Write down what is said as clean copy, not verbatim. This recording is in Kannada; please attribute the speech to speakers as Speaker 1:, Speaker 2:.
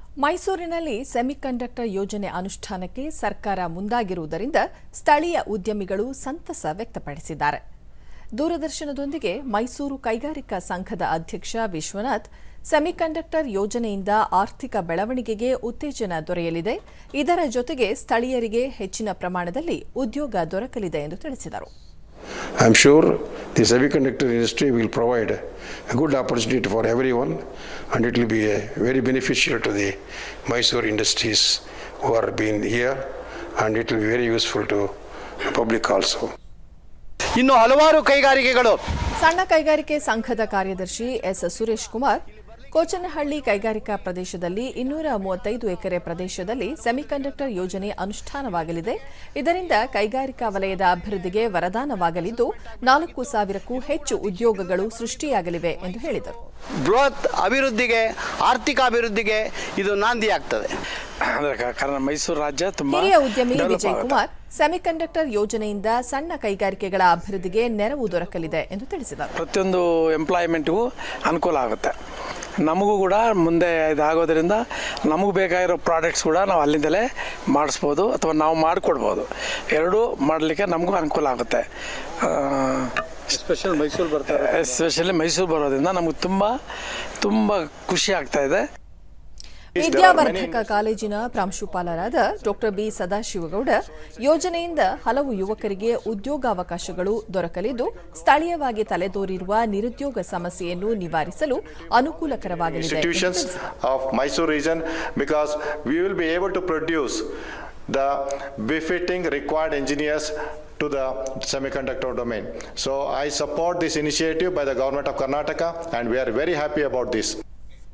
Speaker 1: ಮೈಸೂರಿನಲ್ಲಿ ಸೆಮಿಕಂಡಕ್ಟರ್ ಯೋಜನೆ ಅನುಷ್ಠಾನಕ್ಕೆ ಸರ್ಕಾರ ಮುಂದಾಗಿರುವುದರಿಂದ ಸ್ಥಳೀಯ ಉದ್ಯಮಿಗಳು ಸಂತಸ ವ್ಯಕ್ತಪಡಿಸಿದ್ದಾರೆ. ದೂರದರ್ಶನದೊಂದಿಗೆ ಮೈಸೂರು ಕೈಗಾರಿಕಾ ಸಂಘದ ಅಧ್ಯಕ್ಷ ವಿಶ್ವನಾಥ್, ಸೆಮಿಕಂಡಕ್ಟರ್ ಯೋಜನೆಯಿಂದ ಆರ್ಥಿಕ ಬೆಳವಣಿಗೆಗೆ ಉತ್ತೇಜನ ದೊರೆಯಲಿದೆ, ಇದರ ಜೊತೆಗೆ ಸ್ಥಳೀಯರಿಗೆ ಹೆಚ್ಚಿನ ಪ್ರಮಾಣದಲ್ಲಿ ಉದ್ಯೋಗ ದೊರಕಲಿದೆ ಎಂದು ತಿಳಿಸಿದರು.
Speaker 2: I am sure the semiconductor industry will provide a good opportunity for everyone, and it will be very beneficial to the Mysore industries who are being here, and it will be very useful to the public also.
Speaker 3: ಇನ್ನು ಹಲವಾರು ಕೈಗಾರಿಕೆಗಳು
Speaker 1: ಸಣ್ಣ ಕೈಗಾರಿಕೆ ಸಂಘದ ಕಾರ್ಯದರ್ಶಿ ಎಸ್ ಸುರೇಶ್ ಕುಮಾರ್, ಕೋಚನಹಳ್ಳಿ ಕೈಗಾರಿಕಾ ಪ್ರದೇಶದಲ್ಲಿ 235 ಎಕರೆ ಪ್ರದೇಶದಲ್ಲಿ ಸೆಮಿಕಂಡಕ್ಟರ್ ಯೋಜನೆ ಅನುಷ್ಠಾನವಾಗಲಿದೆ. ಇದರಿಂದ ಕೈಗಾರಿಕಾ ವಲಯದ ಅಭಿವೃದ್ಧಿಗೆ ವರದಾನವಾಗಲಿದ್ದು 4,000ಕ್ಕೂ ಹೆಚ್ಚು ಉದ್ಯೋಗಗಳು ಸೃಷ್ಟಿಯಾಗಲಿವೆ ಎಂದು ಹೇಳಿದರು.
Speaker 3: ಬೃಹತ್ ಅಭಿವೃದ್ಧಿಗೆ, ಆರ್ಥಿಕ ಅಭಿವೃದ್ಧಿಗೆ ಇದು ನಾಂದಿಯಾಗ್ತದೆ.
Speaker 4: ಕಾರಣ ಮೈಸೂರು ರಾಜ್ಯ ತುಂಬಾ
Speaker 1: ಹಿರಿಯ ಉದ್ಯಮಿ ವಿಜಯ್ ಕುಮಾರ್, ಸೆಮಿಕಂಡಕ್ಟರ್ ಯೋಜನೆಯಿಂದ ಸಣ್ಣ ಕೈಗಾರಿಕೆಗಳ ಅಭಿವೃದ್ಧಿಗೆ ನೆರವು ದೊರಕಲಿದೆ ಎಂದು ತಿಳಿಸಿದರು.
Speaker 4: ಪ್ರತಿಯೊಂದು ಎಂಪ್ಲಾಯ್ಮೆಂಟ್ಗೂ ಅನುಕೂಲ ಆಗುತ್ತೆ. ನಮಗೂ ಕೂಡ ಮುಂದೆ ಇದಾಗೋದ್ರಿಂದ ನಮಗೆ ಬೇಕಾಗಿರೋ ಪ್ರಾಡಕ್ಟ್ಸ್ ಕೂಡ ನಾವು ಅಲ್ಲಿಂದಲೇ ಮಾಡಿಸ್ಬೋದು ಅಥವಾ ನಾವು ಮಾಡಿಕೊಡ್ಬೋದು. ಎರಡೂ ಮಾಡಲಿಕ್ಕೆ ನಮಗೂ ಅನುಕೂಲ ಆಗುತ್ತೆ. ಎಸ್ಪೆಷಲಿ ಮೈಸೂರು ಬರೋದ್ರಿಂದ ನಮಗೆ ತುಂಬ ಖುಷಿ ಆಗ್ತಾ ಇದೆ.
Speaker 1: ವಿದ್ಯಾವರ್ಧಕ ಕಾಲೇಜಿನ ಪ್ರಾಂಶುಪಾಲರಾದ ಡಾ ಬಿ ಸದಾಶಿವಗೌಡ, ಯೋಜನೆಯಿಂದ ಹಲವು ಯುವಕರಿಗೆ ಉದ್ಯೋಗಾವಕಾಶಗಳು ದೊರಕಲಿದ್ದು ಸ್ಥಳೀಯವಾಗಿ ತಲೆದೋರಿರುವ ನಿರುದ್ಯೋಗ ಸಮಸ್ಯೆಯನ್ನು ನಿವಾರಿಸಲು ಅನುಕೂಲಕರವಾಗಲಿದೆ.
Speaker 5: the befitting required engineers to the semiconductor domain. So I support this initiative by the government of Karnataka, and we are very happy about this.